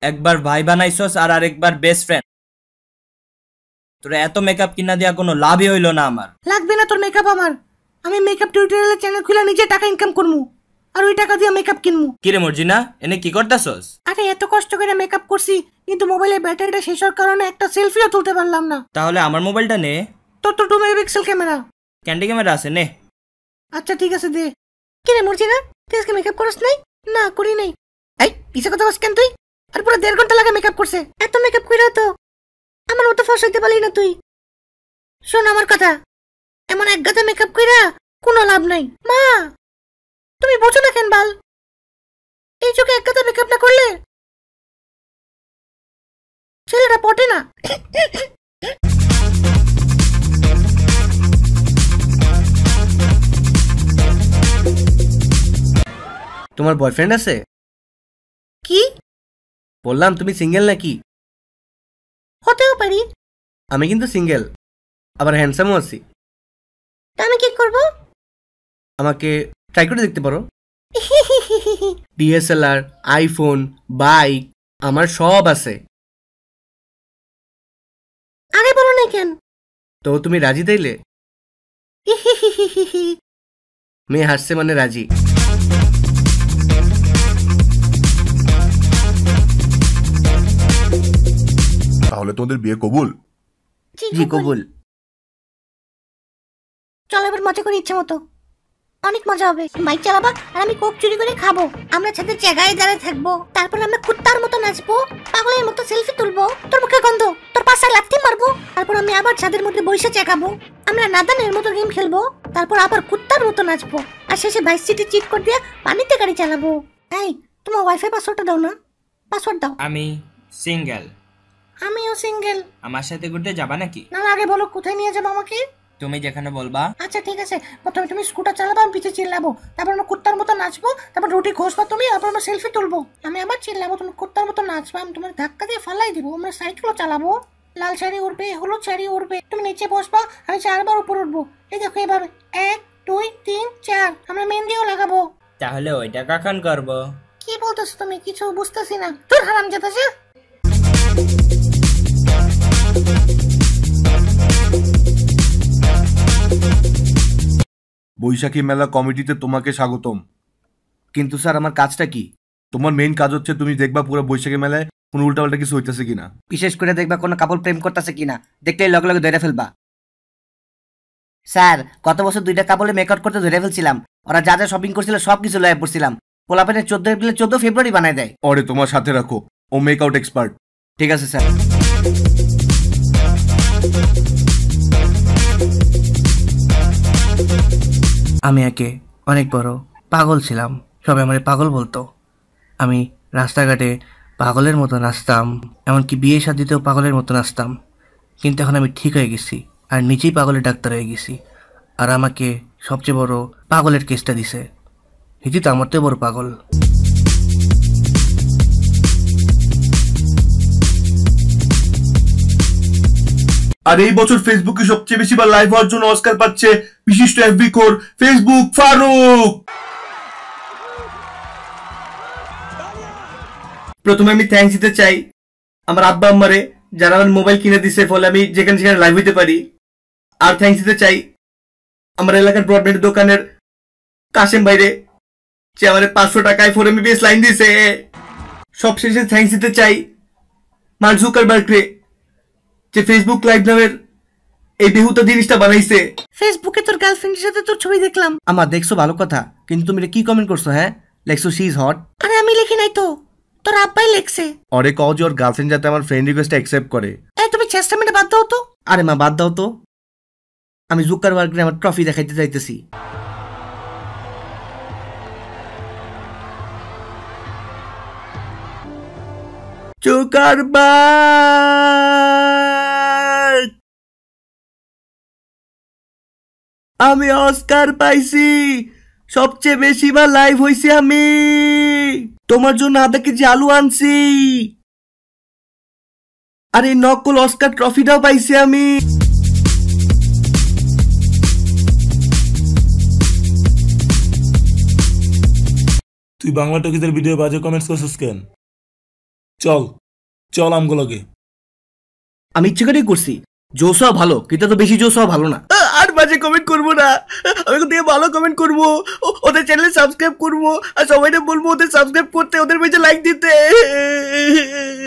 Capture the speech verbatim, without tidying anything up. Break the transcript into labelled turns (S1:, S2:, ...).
S1: একবার ভাই বানাইছস আর আরেকবার বেস্ট ফ্রেন্ড। তোর এত মেকআপ কিনা দেয়া কোনো লাভই হইল না আমার।
S2: লাগবে না তোর মেকআপ আমার। আমি মেকআপ টিউটোরিয়ালের চ্যানেল খুলে নিজে টাকা ইনকাম করমু আর ওই টাকা দিয়ে মেকআপ কিনমু।
S1: কি রে মর্জিনা, এনে কি করতাছস?
S2: আরে এত কষ্ট করে মেকআপ করছি কিন্তু মোবাইলের ব্যাটারিটা শেষ হওয়ার কারণে একটা সেলফিও তুলতে পারলাম না।
S1: তাহলে আমার মোবাইলটা নে।
S2: তোর তো two megapixel camera.
S1: Candy camera আছে, নে।
S2: আচ্ছা ঠিক আছে দে। কি রে মর্জিনা, তুই আজকে মেকআপ করিস নাই? না করি নাই। এই পিছে কথা বলছিস কেন তুই? আর পুরো দেড় ঘন্টা লাগে মেকআপ করছে। এত মেকআপ কইরা তো আমার মতো ফস হইতে পারলি না তুই। শোন আমার কথা, এমন এক গাদা মেকআপ কইরা কোনো লাভ নাই। মা তুমি বোঝো না কেন বাল? এই চোখে এক গাদা মেকআপ না করলে ছেলেটা পটে না।
S3: তোমার বয়ফ্রেন্ড আছে?
S2: কি
S3: বললাম তুমি সিঙ্গেল নাকি?
S2: হতেও পারি।
S3: আমি কিন্তু সিঙ্গেল, আবার হ্যান্ডসামও আছি।
S2: তা আমি কি করব?
S3: আমাকে ট্রাই করে দেখতে পারো। ডিএসএলআর, আইফোন, বাইক আমার সব আছে।
S2: আগে বলো না কেন?
S3: তো তুমি রাজি তাইলে? মেয়ে হাসছে মানে রাজি।
S4: তাহলে তোমাদের বিয়ে কবুল?
S3: জি কবুল।
S2: চলো এবার মজা করি ইচ্ছে মতো। অনেক মজা হবে। বাইক চালাবা আর আমি কোক চুরি করে খাবো। আমরা ছাদের জায়গায় দাঁড়িয়ে থাকবো, তারপর আমরা কুত্তার মতো নাচবো, পাগলের মতো সেলফি তুলবো, তোর মুখে গন্ধ, তোর পাশায় লাথি মারবো, তারপর আমি আবার ছাদের মধ্যে বসে চেকাবো। আমরা নাদানের মতো গেম খেলবো, তারপর আবার কুত্তার মতো নাচবো, আর শেষে ভাইস সিটি চিট করে দিয়ে পানিতে গাড়ি চালাবো। এই তোমার ওয়াইফাই পাসওয়ার্ডটা দাও না। পাসওয়ার্ড দাও।
S1: আমি সিঙ্গেল।
S2: আমিও সিঙ্গেল।
S1: আমার সাথে ঘুরতে যাবা নাকি?
S2: না আগে বলো কোথায় নিয়ে যাবো আমাকে।
S1: তুমি যেখানে বলবা।
S2: আচ্ছা ঠিক আছে, প্রথমে তুমি স্কুটার চালাবো, আমি পিছে চিল্লাবো, তারপর আমরা কুত্তার মতো নাচবো, তারপর রুটি ঘষবা তুমি, তারপর আমরা সেলফি তুলবো। আমি আবার চিল্লাবো, তুমি কুত্তার মতো নাচবা, আমি তোমার ধাক্কা দিয়ে ফালাই দিব। আমরা সাইকেলও চালাবো, লাল শাড়ি উঠবে, হলুদ শাড়ি উঠবে, তুমি নিচে বসবা, আমি চারবার উপর উঠবো। এই দেখো এভাবে এক দুই তিন চার। আমরা মেহেন্দিও লাগাবো।
S1: তাহলে ওইটা কখন করবো?
S2: কি বলতেছো তুমি? কিছু বুঝতেছি না। তোর হারাম যেতেছে।
S4: বৈশাখী মেলা কমিটিতে তোমাকে স্বাগতম।
S3: কিন্তু স্যার আমার কাজটা কি?
S4: তোমার মেইন কাজ হচ্ছে তুমি দেখবা পুরো বৈশাখী মেলায় কোনো উল্টাপাল্টা কিছু হইতেছে কিনা।
S3: বিশেষ করে দেখবা কোনো কাপড় প্রেম করতেছে কিনা, দেখলেই লগে লগে ধরে ফেলবা। স্যার গত বছর দুইটা কাপড়ে মেকআপ করতে ধরে ফেলছিলাম। ওরা যা যা শপিং করছিল সব কিছু লয়ে পড়ছিলাম। পোলাপেনের চোদ্দ এপ্রিলে চোদ্দ ফেব্রুয়ারি বানায় দেয়।
S4: ওরে তোমার সাথে রাখো, ও মেকআউট এক্সপার্ট।
S3: ঠিক আছে স্যার। আমি একে অনেক বড় পাগল ছিলাম, সবাই আমার পাগল বলতো। আমি রাস্তাঘাটে পাগলের মতো নাচতাম, এমনকি বিয়ে শাদিতেও পাগলের মতো নাচতাম। কিন্তু এখন আমি ঠিক হয়ে গেছি আর নিজেই পাগলের ডাক্তার হয়ে গেছি। আর আমাকে সবচেয়ে বড় পাগলের কেসটা দিছে। হিজি তো আমার তো বড় পাগল।
S4: আর এই বছর ফেসবুকে সবচেয়ে বেশি বার লাইভ হওয়ার জন্য অস্কার পাচ্ছে বিশিষ্ট এফবি কোর ফেসবুক ফারুক।
S3: প্রথমে আমি থ্যাঙ্কস দিতে চাই আমার আব্বা আম্মারে, যারা আমার মোবাইল কিনে দিছে, ফলে আমি যেখানে সেখানে লাইভ হইতে পারি। আর থ্যাঙ্কস দিতে চাই আমার এলাকার ব্রডব্যান্ড দোকানের কাশেম বাইরে, যে আমার পাঁচশো টাকায় ফোর এমবিপিএস লাইন দিছে। সবশেষে থ্যাঙ্কস দিতে চাই মার্ক জুকারবার্গকে, যে ফেসবুক লাইভ নামের এই বেহুতা জিনিসটা বানাইছে।
S2: ফেসবুকে তোর গার্লফ্রেন্ডের সাথে তোর ছবি দেখলাম।
S3: আমার দেখছো ভালো কথা, কিন্তু তুমি কি কমেন্ট করছো? হ্যাঁ লেখছো শি ইজ হট।
S2: আরে আমি লিখি নাই তো, তোর আব্বাই লেখছে।
S4: অরে কও যে ওর গার্লফ্রেন্ড যাতে আমার ফ্রেন্ড রিকোয়েস্ট অ্যাকসেপ্ট করে।
S2: এই তুমি চেষ্টা মেটে বাদ দাও তো।
S3: আরে মা বাদ দাও তো, আমি জুকারবার্গকে আমার ট্রফি দেখাইতে চাইতেছি। জুকারবার্গ, আমি অস্কার পাইছি, সবচেয়ে বেশি বার লাইভ হইছি আমি। তোমার জন্য আধা কেজি আলু আনছি, আর এই নকল অস্কার ট্রফিটাও পাইছি আমি।
S5: তুই বাংলা টকিজের ভিডিও বাজে কমেন্টস করছিস কেন? চল চল আমগুলোকে।
S3: আমি ইচ্ছে করেই করছি। জোস হওয়া ভালো, কিন্তু তো বেশি জোস হওয়া ভালো না। আর বাজে কমেন্ট করবো না, আমি ওখান থেকে ভালো কমেন্ট করবো, ও- ওদের চ্যানেলে সাবস্ক্রাইব করবো, আর সবাইকে বলবো ওদের সাবস্ক্রাইব করতে, ওদের পেজে লাইক দিতে।